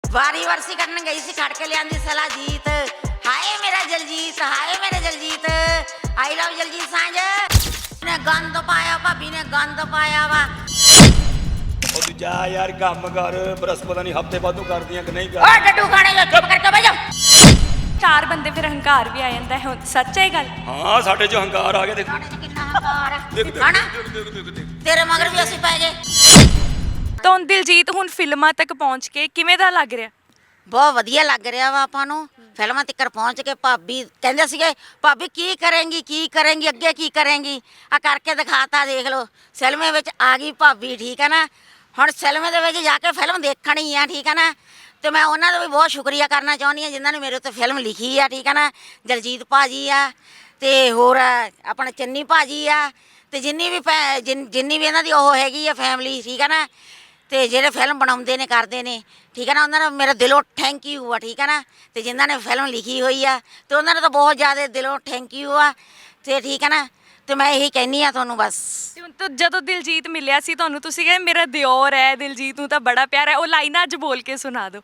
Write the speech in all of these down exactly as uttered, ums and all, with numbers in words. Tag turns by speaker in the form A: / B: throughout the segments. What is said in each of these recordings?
A: ਵਾਰੀ ਵਰਸੀ ਕੱਢਣ ਗਈ ਸੀ, ਖੜ ਕੇ ਲਿਆਂਦੀ ਸਲਾ ਜੀਤ। ਹਾਏ ਮੇਰਾ ਜਲਜੀਤ, ਹਾਏ ਮੇਰਾ ਜਲਜੀਤ, ਆਈ ਲਵ ਜਲਜੀਤ ਸਾਂਝ ਨੇ ਗੰਦ ਪਾਇਆ, ਭਾਬੀ ਨੇ ਗੰਦ ਪਾਇਆ ਵਾ।
B: ਉਹ ਤੂੰ ਜਾ ਯਾਰ ਕੰਮ ਕਰ, ਬਰਸ ਪਤਾ ਨਹੀਂ ਹਫਤੇ ਬਾਅਦੋਂ ਕਰਦੀਆਂ ਕਿ ਨਹੀਂ
A: ਓ
B: ਕਰ।
A: ਡੱਡੂ ਖਾਣੇ ਜੋ ਚੁੱਪ ਕਰਕੇ ਬਹਿ ਜਾ।
C: ਚਾਰ ਬੰਦੇ ਫਿਰ ਹੰਕਾਰ ਵੀ ਆ ਜਾਂਦਾ ਹੈ, ਸੱਚ ਹੈ ਇਹ ਗੱਲ?
B: ਹਾਂ ਸਾਡੇ ਚ ਹੰਕਾਰ ਆ ਗਿਆ। ਦੇਖ
A: ਸਾਡੇ ਚ ਕਿੰਨਾ ਹੰਕਾਰ ਆ
B: ਦੇਖ ਦੇਖ
A: ਹਨਾ?
B: ਦੇਖ ਦੇਖ ਦੇਖ ਦੇਖ।
A: ਤੇਰੇ ਮਗਰ ਵੀ ਅਸੀਂ ਪੈ ਗਏ।
C: ਤਾਂ ਹੁਣ ਦਿਲਜੀਤ ਹੁਣ ਫਿਲਮਾਂ ਤੱਕ ਪਹੁੰਚ ਕੇ ਕਿਵੇਂ ਦਾ ਲੱਗ ਰਿਹਾ?
A: ਬਹੁਤ ਵਧੀਆ ਲੱਗ ਰਿਹਾ ਵਾ ਆਪਾਂ ਨੂੰ। ਫਿਲਮਾਂ ਤੱਕ ਪਹੁੰਚ ਕੇ ਭਾਬੀ ਕਹਿੰਦੇ ਸੀਗੇ ਭਾਬੀ ਕੀ ਕਰੇਂਗੀ ਕੀ ਕਰੇਂਗੀ ਅੱਗੇ ਕੀ ਕਰੇਂਗੀ, ਆ ਕਰਕੇ ਦਿਖਾਤਾ। ਦੇਖ ਲਓ ਸਿਲਮੇ ਵਿੱਚ ਆ ਗਈ ਭਾਬੀ, ਠੀਕ ਹੈ ਨਾ। ਹੁਣ ਸਿਲਮੇ ਦੇ ਵਿੱਚ ਜਾ ਕੇ ਫਿਲਮ ਦੇਖਣੀ ਆ, ਠੀਕ ਹੈ ਨਾ। ਤੇ ਮੈਂ ਉਹਨਾਂ ਦਾ ਵੀ ਬਹੁਤ ਸ਼ੁਕਰੀਆ ਕਰਨਾ ਚਾਹੁੰਦੀ ਹਾਂ ਜਿਨ੍ਹਾਂ ਨੇ ਮੇਰੇ ਉੱਤੇ ਫਿਲਮ ਲਿਖੀ ਆ, ਠੀਕ ਹੈ ਨਾ। ਦਲਜੀਤ ਭਾਜੀ ਆ ਤੇ ਹੋਰ ਆਪਣਾ ਚੰਨੀ ਭਾਜੀ ਆ ਤੇ ਜਿੰਨੀ ਵੀ ਫੈ ਜਿੰਨੀ ਵੀ ਇਹਨਾਂ ਦੀ ਉਹ ਹੈਗੀ ਆ ਫੈਮਿਲੀ, ਠੀਕ ਹੈ ਨਾ। ਤੇ ਜਿਹੜੇ ਫਿਲਮ ਬਣਾਉਂਦੇ ਨੇ ਕਰਦੇ ਨੇ, ਠੀਕ ਹੈ ਨਾ, ਉਹਨਾਂ ਨੂੰ ਮੇਰਾ ਦਿਲੋਂ ਥੈਂਕ ਯੂ ਆ, ਠੀਕ ਹੈ ਨਾ। ਤੇ ਜਿਨ੍ਹਾਂ ਨੇ ਫਿਲਮ ਲਿਖੀ ਹੋਈ ਆ ਤੇ ਉਹਨਾਂ ਨੂੰ ਤਾਂ ਬਹੁਤ ਜ਼ਿਆਦਾ ਦਿਲੋਂ ਥੈਂਕ ਯੂ ਆ। ਤੇ ਠੀਕ ਹੈ ਨਾ, ਤੇ ਮੈਂ ਇਹੀ ਕਹਿੰਦੀ ਆ ਤੁਹਾਨੂੰ ਬਸ।
C: ਤੇ ਹੁਣ ਤਾਂ ਜਦੋਂ ਦਿਲਜੀਤ ਮਿਲਿਆ ਸੀ ਤੁਹਾਨੂੰ, ਤੁਸੀਂ ਕਹਿੰਦੇ ਮੇਰਾ ਦਿਓਰ ਹੈ, ਦਿਲਜੀਤ ਨੂੰ ਤਾਂ ਬੜਾ ਪਿਆਰ ਹੈ, ਉਹ ਲਾਈਨਾਂ ਅੱਜ ਬੋਲ ਕੇ ਸੁਣਾ ਦਿਓ।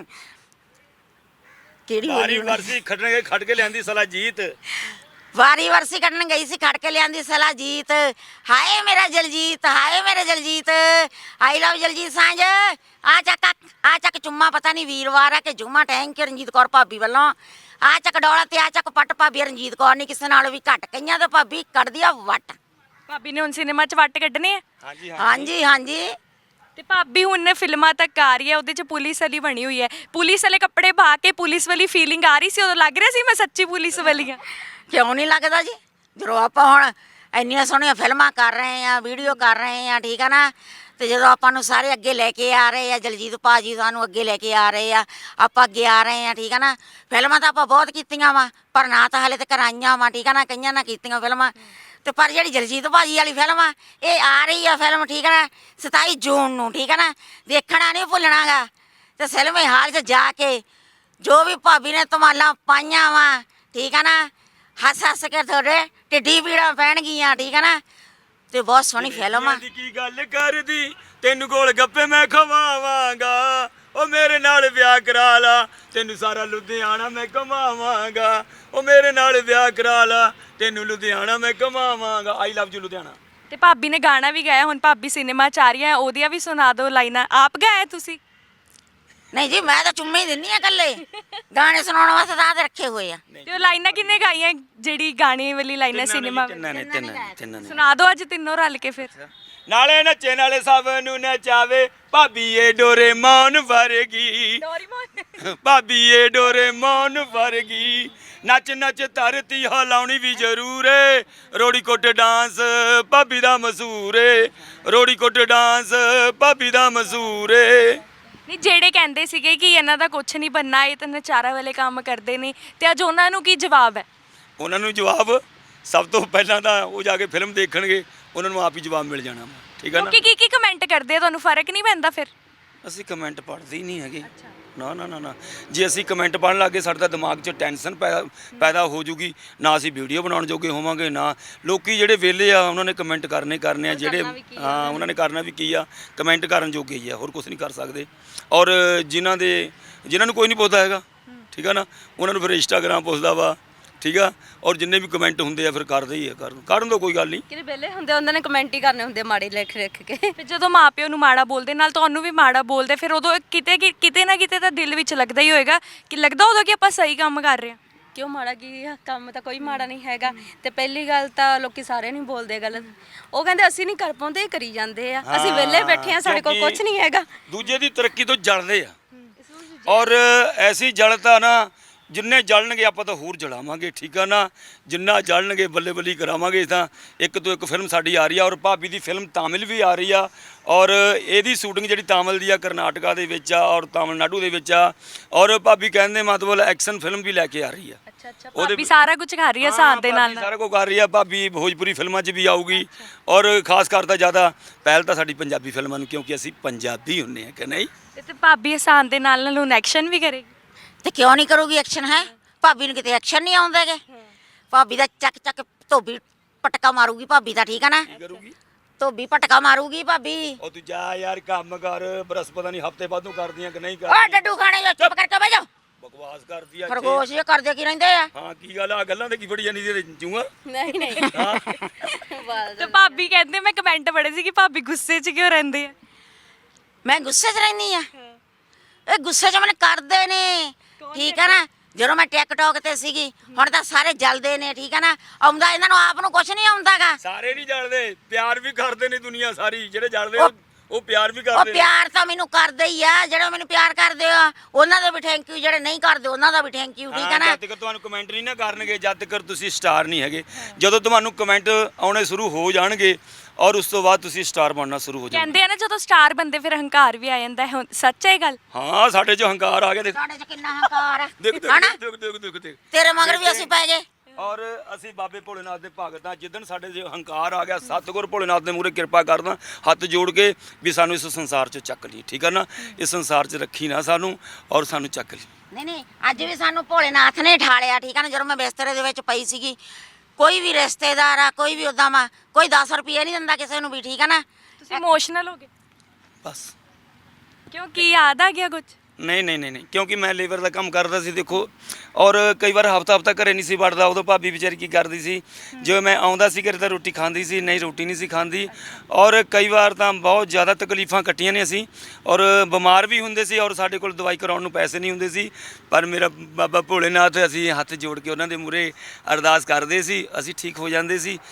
A: ਕਿਹੜੀ
B: ਵਾਰੀ
A: ਬੋਲੀ?
B: ਵਰਸੀ ਖੱਟਣ ਗਏ, ਖੱਟ ਕੇ ਲਿਆਂਦੀ ਸਲਾ ਜੀਤ।
A: ਵਾਰੀ ਵਰਸੀ ਕੱਢਣ ਗਈ ਸੀ, ਖੜ ਕੇ ਲਿਆਂਦੀ ਸਲਾ ਜੀਤ। ਹਾਏ ਮੇਰਾ ਜਲਜੀਤ, ਹਾਏ ਮੇਰਾ ਜਲਜੀਤ, ਆਈ ਲਵ ਜਲਜੀਤ ਸਾਂਝ। ਆ ਚੱਕ ਆ ਚੱਕ ਚੁੰਮਾ, ਪਤਾ ਨਹੀਂ ਵੀਰਵਾਰ ਆ ਕਿ ਜੁਮਾ। ਟੈਂਕ ਰਣਜੀਤ ਕੌਰ ਭਾਬੀ ਵੱਲੋਂ ਆ ਚੱਕ ਡੋਲਾ ਤੇ ਆ ਚੱਕ ਪੱਟ। ਭਾਬੀ ਰਣਜੀਤ ਕੌਰ ਨਹੀਂ ਕਿਸੇ ਨਾਲੋਂ ਵੀ ਘੱਟ, ਕਈਆਂ ਤੇ ਭਾਬੀ ਕੱਢਦੀ ਆ ਵੱਟ।
C: ਭਾਬੀ ਨੇ ਹੁਣ ਸਿਨੇਮਾ 'ਚ ਵੱਟ ਕੱਢਣੇ ਆ?
B: ਹਾਂਜੀ
A: ਹਾਂਜੀ ਹਾਂਜੀ।
C: ਤੇ ਭਾਬੀ ਹੁਣ ਫਿਲਮਾਂ ਤੱਕ ਆ ਰਹੀ ਹੈ, ਉਹਦੇ 'ਚ ਪੁਲਿਸ ਵਾਲੀ ਬਣੀ ਹੋਈ ਹੈ। ਪੁਲਿਸ ਵਾਲੇ ਕੱਪੜੇ ਪਾ ਕੇ ਪੁਲਿਸ ਵਾਲੀ ਫੀਲਿੰਗ ਆ ਰਹੀ ਸੀ ਉਦੋਂ? ਲੱਗ ਰਿਹਾ ਸੀ ਮੈਂ ਸੱਚੀ ਪੁਲਿਸ ਵਾਲੀ ਹਾਂ?
A: ਕਿਉਂ ਨਹੀਂ ਲੱਗਦਾ ਜੀ? ਜਦੋਂ ਆਪਾਂ ਹੁਣ ਇੰਨੀਆਂ ਸੋਹਣੀਆਂ ਫਿਲਮਾਂ ਕਰ ਰਹੇ ਆ, ਵੀਡੀਓ ਕਰ ਰਹੇ ਆ, ਠੀਕ ਆ ਨਾ। ਤੇ ਜਦੋਂ ਆਪਾਂ ਨੂੰ ਸਾਰੇ ਅੱਗੇ ਲੈ ਕੇ ਆ ਰਹੇ ਆ, ਜਲਜੀਤ ਭਾਜੀ ਸਾਨੂੰ ਅੱਗੇ ਲੈ ਕੇ ਆ ਰਹੇ ਆ, ਆਪਾਂ ਅੱਗੇ ਆ ਰਹੇ ਆ, ਠੀਕ ਆ ਨਾ। ਫਿਲਮਾਂ ਤਾਂ ਆਪਾਂ ਬਹੁਤ ਕੀਤੀਆਂ ਵਾ, ਪਰ ਨਾ ਤਾਂ ਹਾਲੇ ਤੱਕ ਆਈਆਂ ਵਾ, ਠੀਕ ਆ ਨਾ। ਕਈਆਂ ਨਾ ਕੀਤੀਆਂ ਫਿਲਮਾਂ ਤੇ ਪਰ ਜਿਹੜੀ ਜਲਜੀਤ ਭਾਜੀ ਵਾਲੀ ਫਿਲਮ ਆ ਇਹ ਆ ਰਹੀ ਆ ਫਿਲਮ, ਠੀਕ ਆ ਨਾ, ਸਤਾਈ ਜੂਨ ਨੂੰ, ਠੀਕ ਆ ਨਾ। ਦੇਖਣਾ ਨਹੀਂ ਭੁੱਲਣਾ ਗਾ। ਤੇ ਸਿਨੇਮੇ ਹਾਲ 'ਚ ਜਾ ਕੇ ਜੋ ਵੀ ਭਾਬੀ ਨੇ ਧਮਾਲਾਂ ਪਾਈਆਂ ਵਾ, ਠੀਕ ਆ ਨਾ, ਹੱਸ ਹੱਸ ਕੇ ਤੁਹਾਡੇ ਢਿੱਡੀ ਪੀੜਾਂ ਪੈਣਗੀਆਂ, ਠੀਕ ਆ ਨਾ। ਤੇ ਬਹੁਤ ਸੋਹਣੀ ਫਿਲਮ ਆ।
B: ਕੀ ਗੱਲ ਕਰਦੀ ਤੈਨੂੰ ਗੋਲ ਗੱਪੇ ਮੈਂ ਖਵਾਵਾਂਗਾ, ਉਹ ਮੇਰੇ ਨਾਲ ਵਿਆਹ ਕਰਾ ਲਾ, ਤੈਨੂੰ ਸਾਰਾ ਲੁਧਿਆਣਾ ਮੈਂ ਘੁਮਾਵਾਂਗਾ। ਉਹ ਮੇਰੇ ਨਾਲ ਵਿਆਹ ਕਰਾ ਲਾ, ਤੈਨੂੰ ਲੁਧਿਆਣਾ ਮੈਂ ਘੁਮਾਵਾਂਗਾ। ਆਈ ਲਵ ਯੂ ਲੁਧਿਆਣਾ।
C: ਤੇ ਭਾਬੀ ਨੇ ਗਾਣਾ ਵੀ ਗਾਇਆ, ਹੁਣ ਭਾਬੀ ਸਿਨੇਮਾ 'ਚ ਆ ਰਹੀ ਹੈ, ਉਹਦੀਆਂ ਵੀ ਸੁਣਾ ਦਿਓ ਲਾਈਨਾਂ। ਆਪ ਗਾਇਆ ਤੁਸੀਂ?
A: ਨਹੀਂ ਜੀ, ਮੈਂ ਤਾਂ ਚੁੰਮੇ ਹੀ ਦਿੰਦੀ ਆ ਇਕੱਲੇ। ਗਾਣੇ ਸੁਣਾਉਣ ਵਾਸਤੇ ਤਾਂ ਆਹ ਰੱਖੇ ਹੋਏ ਆ।
C: ਤੇ ਉਹ ਲਾਈਨਾਂ ਕਿੰਨੇ ਗਾਈਆਂ, ਜਿਹੜੀ ਗਾਣੇ ਵਾਲੀ ਲਾਈਨਾਂ ਸਿਨੇਮਾ?
B: ਤਿੰਨਾਂ ਨੇ ਤਿੰਨਾਂ ਨੇ ਤਿੰਨਾਂ ਨੇ।
C: ਸੁਣਾ ਦਿਓ ਅੱਜ ਤਿੰਨੋਂ ਰਲ ਕੇ ਫਿਰ।
B: ਨਾਲੇ ਨੱਚੇ ਨਾਲੇ ਸਭ ਨੂੰ ਨਚਾਵੇ, ਭਾਬੀ ਏ ਡੋਰੇਮੋਨ ਵਰਗੀ, ਭਾਬੀ ਏ ਡੋਰੇਮੋਨ ਵਰਗੀ। ਨੱਚ ਨੱਚ ਧਰਤੀ ਹਿਲਾਉਣੀ ਵੀ ਜ਼ਰੂਰ ਏ, ਰੋੜੀ ਕੋਟ ਡਾਂਸ ਭਾਬੀ ਦਾ ਮਸ਼ਹੂਰ ਏ, ਰੋੜੀ ਕੋਟ ਡਾਂਸ ਭਾਬੀ ਦਾ ਮਸ਼ਹੂਰ ਏ।
C: ਨਹੀਂ, ਜਿਹੜੇ ਕਹਿੰਦੇ ਸੀਗੇ ਕਿ ਇਹਨਾਂ ਦਾ ਕੁਝ ਨਹੀਂ ਬੰਨਾ, ਇਹ ਤਾਂ ਨਚਾਰਾ ਵਾਲੇ ਕੰਮ ਕਰਦੇ ਨੇ, ਤੇ ਅੱਜ ਉਹਨਾਂ ਨੂੰ ਕੀ ਜਵਾਬ ਹੈ?
B: ਉਹਨਾਂ ਨੂੰ ਜਵਾਬ ਸਭ ਤੋਂ ਪਹਿਲਾਂ ਤਾਂ ਉਹ ਜਾ ਕੇ ਫਿਲਮ ਦੇਖਣਗੇ, ਉਹਨਾਂ ਨੂੰ ਆਪ ਹੀ ਜਵਾਬ ਮਿਲ ਜਾਣਾ, ਠੀਕ ਹੈ ਨਾ।
C: ਕੀ ਕੀ ਕੀ ਕਮੈਂਟ ਕਰਦੇ ਆ, ਤੁਹਾਨੂੰ ਫਰਕ ਨਹੀਂ ਪੈਂਦਾ ਫਿਰ?
B: ਅਸੀਂ ਕਮੈਂਟ ਪੜ੍ਹਦੇ ਹੀ ਨਹੀਂ ਹੈਗੇ। ਨਾ ਨਾ ਨਾ ਨਾ ਜੇ ਅਸੀਂ ਕਮੈਂਟ ਪੜ੍ਹਨ ਲੱਗੇ ਸਾਡੇ ਤਾਂ ਦਿਮਾਗ 'ਚ ਟੈਨਸ਼ਨ ਪੈਦਾ ਪੈਦਾ ਹੋ ਜੂਗੀ, ਨਾ ਅਸੀਂ ਵੀਡੀਓ ਬਣਾਉਣ ਜੋਗੇ ਹੋਵਾਂਗੇ, ਨਾ ਲੋਕੀ ਜਿਹੜੇ ਵਿਹਲੇ ਆ ਉਹਨਾਂ ਨੇ ਕਮੈਂਟ ਕਰਨੇ ਕਰਨੇ ਆ, ਜਿਹੜੇ ਹਾਂ ਉਹਨਾਂ ਨੇ ਕਰਨਾ ਵੀ ਕੀ ਆ, ਕਮੈਂਟ ਕਰਨ ਜੋਗੇ ਹੀ ਆ, ਹੋਰ ਕੁਝ ਨਹੀਂ ਕਰ ਸਕਦੇ। ਔਰ ਜਿਨ੍ਹਾਂ ਦੇ ਜਿਨ੍ਹਾਂ ਨੂੰ ਕੋਈ ਨਹੀਂ ਪੁੱਛਦਾ ਹੈਗਾ, ਠੀਕ ਆ ਨਾ, ਉਹਨਾਂ ਨੂੰ ਫਿਰ ਇੰਸਟਾਗ੍ਰਾਮ ਪੁੱਛਦਾ ਵਾ, ਠੀਕ ਆ। ਔਰ ਜਿੰਨੇ ਵੀ ਕਮੈਂਟ ਹੁੰਦੇ ਆ ਫਿਰ ਕਰਦੇ ਹੀ ਆ, ਕਰਨ ਕਰਨ ਦੋ ਕੋਈ ਗੱਲ ਨਹੀਂ।
D: ਕਿਤੇ ਵਿਹਲੇ ਹੁੰਦੇ ਉਹਨਾਂ ਨੇ ਕਮੈਂਟ ਹੀ ਕਰਨੇ ਹੁੰਦੇ ਮਾੜੇ ਲਿਖ ਲਿਖ ਕੇ।
C: ਫਿਰ ਜਦੋਂ ਮਾਪਿਓ ਨੂੰ ਮਾੜਾ ਬੋਲਦੇ, ਨਾਲ ਤੁਹਾਨੂੰ ਵੀ ਮਾੜਾ ਬੋਲਦੇ, ਫਿਰ ਉਦੋਂ ਕਿਤੇ ਕਿ- ਕਿਤੇ ਨਾ ਕਿਤੇ ਤਾਂ ਦਿਲ ਵਿੱਚ ਲੱਗਦਾ ਹੀ ਹੋਏਗਾ ਕਿ ਲੱਗਦਾ ਉਦੋਂ ਕਿ ਆਪਾਂ ਸਹੀ ਕੰਮ ਕਰ ਰਹੇ ਹਾਂ।
D: ਕਿਉਂ ਮਾੜਾ ਕੀ ਆ? ਕੰਮ ਤਾਂ ਕੋਈ ਮਾੜਾ ਨਹੀਂ ਹੈਗਾ। ਤੇ ਪਹਿਲੀ ਗੱਲ ਤਾਂ ਲੋਕੀ ਸਾਰੇ ਨਹੀਂ ਬੋਲਦੇ ਗਲਤ, ਉਹ ਕਹਿੰਦੇ ਅਸੀਂ ਨਹੀਂ ਕਰ ਪਾਉਂਦੇ, ਇਹ ਕਰੀ ਜਾਂਦੇ ਆ। ਅਸੀਂ ਵਿਹਲੇ ਬੈਠੇ ਆ, ਸਾਡੇ ਕੋਲ ਕੁਝ ਨਹੀਂ ਹੈਗਾ।
B: ਦੂਜੇ ਦੀ ਤਰੱਕੀ ਤੋਂ ਜਲਦੇ ਆ, ਔਰ ਐਸੀ ਜਲਤਾ ਨਾ ਜਿੰਨੇ ਜਲਣਗੇ ਆਪਾਂ ਤਾਂ ਹੋਰ ਜਲਾਵਾਂਗੇ, ਠੀਕ ਆ ਨਾ। ਜਿੰਨਾ ਜਲਣਗੇ ਬੱਲੇ ਬੱਲੀ ਕਰਾਵਾਂਗੇ। ਤਾਂ ਇੱਕ ਤੋਂ ਇੱਕ ਫਿਲਮ ਸਾਡੀ ਆ ਰਹੀ ਆ, ਔਰ ਭਾਬੀ ਦੀ ਫਿਲਮ ਤਾਮਿਲ ਵੀ ਆ ਰਹੀ ਆ, ਔਰ ਇਹਦੀ ਸ਼ੂਟਿੰਗ ਜਿਹੜੀ ਤਾਮਿਲ ਦੀ ਆ ਕਰਨਾਟਕਾ ਦੇ ਵਿੱਚ ਆ ਔਰ ਤਾਮਿਲਨਾਡੂ ਦੇ ਵਿੱਚ ਆ, ਔਰ ਭਾਬੀ ਕਹਿੰਦੇ ਮਤਲਬ ਐਕਸ਼ਨ ਫਿਲਮ ਵੀ ਲੈ ਕੇ ਆ ਰਹੀ ਆ।
C: ਅੱਛਾ ਅੱਛਾ, ਭਾਬੀ ਸਾਰਾ ਕੁਝ ਕਰ ਰਹੀ ਹੈ ਸਾਥ ਦੇ ਨਾਲ ਨਾਲ।
B: ਸਾਰਾ ਕੁਝ ਕਰ ਰਹੀ ਆ ਭਾਬੀ, ਭੋਜਪੁਰੀ ਫਿਲਮਾਂ 'ਚ ਵੀ ਆਊਗੀ, ਔਰ ਖਾਸ ਕਰ ਤਾਂ ਜ਼ਿਆਦਾ ਪਹਿਲ ਤਾਂ ਸਾਡੀ ਪੰਜਾਬੀ ਫਿਲਮਾਂ ਨੂੰ, ਕਿਉਂਕਿ ਅਸੀਂ ਪੰਜਾਬੀ ਹੁੰਨੇ ਆ ਕਿ ਨਹੀਂ।
C: ਤੇ ਭਾਬੀ ਆਸਾਨ ਦੇ ਨਾਲ ਨਾਲ ਹੁਣ ਐਕਸ਼ਨ ਵੀ ਕਰੇਗੀ।
A: ਤੇ ਕਿਉਂ ਨਹੀਂ ਕਰੂਗੀ ਐਕਸ਼ਨ? ਹੈ ਭਾਬੀ ਨੂੰ ਕਿਤੇ ਐਕਸ਼ਨ ਨਹੀਂ ਆਉਂਦਾਗੇ। ਭਾਬੀ ਦਾ ਚੱਕ ਚੱਕ ਧੋਬੀ ਪਟਕਾ ਮਾਰੂਗੀ ਭਾਬੀ ਦਾ, ਠੀਕ ਆ ਨਾ। ਧੋਬੀ ਪਟਕਾ ਮਾਰੂਗੀ ਭਾਬੀ।
B: ਉਹ ਤੂੰ ਜਾ ਯਾਰ ਕੰਮ ਕਰ, ਬਰਸ ਪਤਾ ਨਹੀਂ ਹਫਤੇ ਬਾਅਦੋਂ ਕਰਦੀਆਂ ਕਿ ਨਹੀਂ
A: ਓ
B: ਕਰਦੀਆਂ।
A: ਡੱਡੂ ਖਾਣੇ ਜੋ ਚੁੱਪ ਕਰਕੇ ਬਹਿ ਜਾ।
B: ਬਕਵਾਸ ਕਰਦੀ ਆ ਇੱਥੇ।
A: ਖਰਗੋਸ਼ ਇਹ ਕਰਦੇ ਕੀ ਰਹਿੰਦੇ ਆ?
B: ਹਾਂ ਕੀ ਗੱਲ ਆ, ਗੱਲਾਂ ਤੇ ਕੀ ਫੜੀ ਜਾਂਦੀ ਤੇ ਜੂਆ।
D: ਨਹੀਂ ਨਹੀਂ
B: ਹਾਂ
D: ਬਸ
C: ਤੇ ਭਾਬੀ ਕਹਿੰਦੇ ਮੈਂ ਕਮੈਂਟ ਪੜ੍ਹੇ ਸੀ ਕਿ ਭਾਬੀ ਗੁੱਸੇ 'ਚ ਕਿਉਂ ਰਹਿੰਦੇ ਆ।
A: ਮੈਂ ਗੁੱਸੇ 'ਚ ਰਹਿੰਦੀ ਆ? ਇਹ ਗੁੱਸੇ 'ਚ ਮੈਨੂੰ ਕਰਦੇ ਨੇ, ਠੀਕ ਹੈ ਨਾ। ਜਦੋਂ ਮੈਂ ਟਿਕਟੌਕ ਤੇ ਸੀਗੀ, ਹੁਣ ਤਾਂ ਸਾਰੇ ਜਲਦੇ ਨੇ, ਠੀਕ ਹੈ ਨਾ। ਆਉਂਦਾ ਇਹਨਾਂ ਨੂੰ ਆਪ ਨੂੰ ਕੁਝ ਨਹੀਂ ਆਉਂਦਾਗਾ।
B: ਸਾਰੇ ਨਹੀਂ ਜਾਣਦੇ, ਪਿਆਰ ਵੀ ਕਰਦੇ ਨੇ ਦੁਨੀਆ ਸਾਰੀ। ਜਿਹੜੇ ਜਾਣਦੇ
A: ਉਹ-
B: ਉਹ ਪਿਆਰ ਵੀ
A: ਉਹ
B: ਕਰਦੇ ਨੇ।
A: ਪਿਆਰ ਤਾਂ ਮੈਨੂੰ ਕਰਦੇ ਹੀ ਆ, ਜਿਹੜੇ ਮੈਨੂੰ ਪਿਆਰ ਕਰਦੇ ਆ ਉਹਨਾਂ ਦਾ ਵੀ ਥੈਂਕ ਯੂ, ਜਿਹੜੇ ਨਹੀਂ ਕਰਦੇ ਉਹਨਾਂ ਦਾ ਵੀ ਥੈਂਕ ਯੂ, ਠੀਕ ਹੈ ਨਾ।
B: ਜਦ ਤੱਕ ਤੁਹਾਨੂੰ ਕਮੈਂਟ ਨਹੀਂ ਨਾ ਕਰਨਗੇ, ਜਦ ਤੱਕ ਤੁਸੀਂ ਸਟਾਰ ਨਹੀਂ ਹੈਗੇ। ਜਦੋਂ ਤੁਹਾਨੂੰ ਕਮੈਂਟ ਆਉਣੇ ਸ਼ੁਰੂ ਹੋ ਜਾਣਗੇ ਔਰ ਉਸ ਤੋਂ ਬਾਅਦ ਤੁਸੀਂ ਸਟਾਰ ਬਣਨਾ ਸ਼ੁਰੂ ਹੋ ਜਾਓਗੇ।
C: ਕਹਿੰਦੇ ਆ ਨਾ ਜਦੋਂ ਸਟਾਰ ਬੰਦੇ ਫਿਰ ਹੰਕਾਰ ਵੀ ਆ ਜਾਂਦਾ ਹੈ। ਹੁਣ ਸੱਚ ਹੈ ਇਹ ਗੱਲ?
B: ਹਾਂ ਸਾਡੇ 'ਚ ਹੰਕਾਰ ਆ ਗਿਆ। ਦੇਖ
A: ਸਾਡੇ 'ਚ ਕਿੰਨਾ ਹੰਕਾਰ ਆ,
B: ਦੇਖ
A: ਹਨਾ।
B: ਦੇਖ ਦੇਖ ਦੇਖ ਦੇਖ ਦੇਖ।
A: ਤੇਰੇ ਮਗਰ ਵੀ ਅਸੀਂ ਪੈ ਗਏ।
B: ਔਰ ਅਸੀਂ ਬਾਬੇ ਭੋਲੇਨਾਥ ਦੇ ਭਗਤ ਹਾਂ। ਜਿੱਦਣ ਸਾਡੇ 'ਚ ਹੰਕਾਰ ਆ ਗਿਆ, ਸਤਿਗੁਰ ਭੋਲੇਨਾਥ ਦੇ ਮੂਹਰੇ ਕਿਰਪਾ ਕਰਦਾ ਹੱਥ ਜੋੜ ਕੇ ਵੀ ਸਾਨੂੰ ਇਸ ਸੰਸਾਰ 'ਚੋਂ ਚੱਕ ਲਈ, ਠੀਕ ਹੈ ਨਾ। ਇਸ ਸੰਸਾਰ 'ਚ ਰੱਖੀ ਨਾ ਸਾਨੂੰ ਔਰ ਸਾਨੂੰ ਚੱਕ ਲਈ।
A: ਨਹੀਂ ਨਹੀਂ ਅੱਜ ਵੀ ਸਾਨੂੰ ਭੋਲੇਨਾਥ ਨੇ ਠਾਲਿਆ, ਠੀਕ ਹੈ ਨਾ। ਜਦੋਂ ਮੈਂ ਬਿਸਤਰੇ ਦੇ ਵਿੱਚ ਪਈ ਸੀਗੀ, ਕੋਈ ਵੀ ਰਿਸ਼ਤੇਦਾਰ ਆ, ਕੋਈ ਵੀ ਉਦਾਂ ਵਾ, ਕੋਈ ਦਸ ਰੁਪਏ ਨਹੀਂ ਦਿੰਦਾ ਕਿਸੇ ਨੂੰ ਵੀ, ਠੀਕ ਹੈ ਨਾ।
C: ਤੁਸੀਂ ਇਮੋਸ਼ਨਲ ਹੋ ਗਏ
B: ਬਸ
C: ਕਿਉਂ? ਕੀ ਯਾਦ ਆ ਗਿਆ ਕੁਝ?
B: ਨਹੀਂ ਨਹੀਂ ਨਹੀਂ ਨਹੀਂ ਕਿਉਂਕਿ ਮੈਂ ਲੇਬਰ ਦਾ ਕੰਮ ਕਰਦਾ ਸੀ ਦੇਖੋ। ਔਰ ਕਈ ਵਾਰ ਹਫਤਾ ਹਫਤਾ ਘਰੇ ਨਹੀਂ ਸੀ ਵੜਦਾ। ਉਦੋਂ ਭਾਬੀ ਵਿਚਾਰੀ ਕੀ ਕਰਦੀ ਸੀ, ਜਿਵੇਂ ਮੈਂ ਆਉਂਦਾ ਸੀ ਘਰੇ ਤਾਂ ਰੋਟੀ ਖਾਂਦੀ ਸੀ, ਨਹੀਂ ਰੋਟੀ ਨਹੀਂ ਸੀ ਖਾਂਦੀ। ਔਰ ਕਈ ਵਾਰ ਤਾਂ ਬਹੁਤ ਜ਼ਿਆਦਾ ਤਕਲੀਫਾਂ ਕੱਟੀਆਂ ਨੇ ਅਸੀਂ, ਔਰ ਬਿਮਾਰ ਵੀ ਹੁੰਦੇ ਸੀ, ਔਰ ਸਾਡੇ ਕੋਲ ਦਵਾਈ ਕਰਾਉਣ ਨੂੰ ਪੈਸੇ ਨਹੀਂ ਹੁੰਦੇ ਸੀ। ਪਰ ਮੇਰਾ ਬਾਬਾ ਭੋਲੇਨਾਥ, ਅਸੀਂ ਹੱਥ ਜੋੜ ਕੇ ਉਹਨਾਂ ਦੇ ਮੂਹਰੇ ਅਰਦਾਸ ਕਰਦੇ ਸੀ, ਅਸੀਂ ਠੀਕ ਹੋ ਜਾਂਦੇ ਸੀ।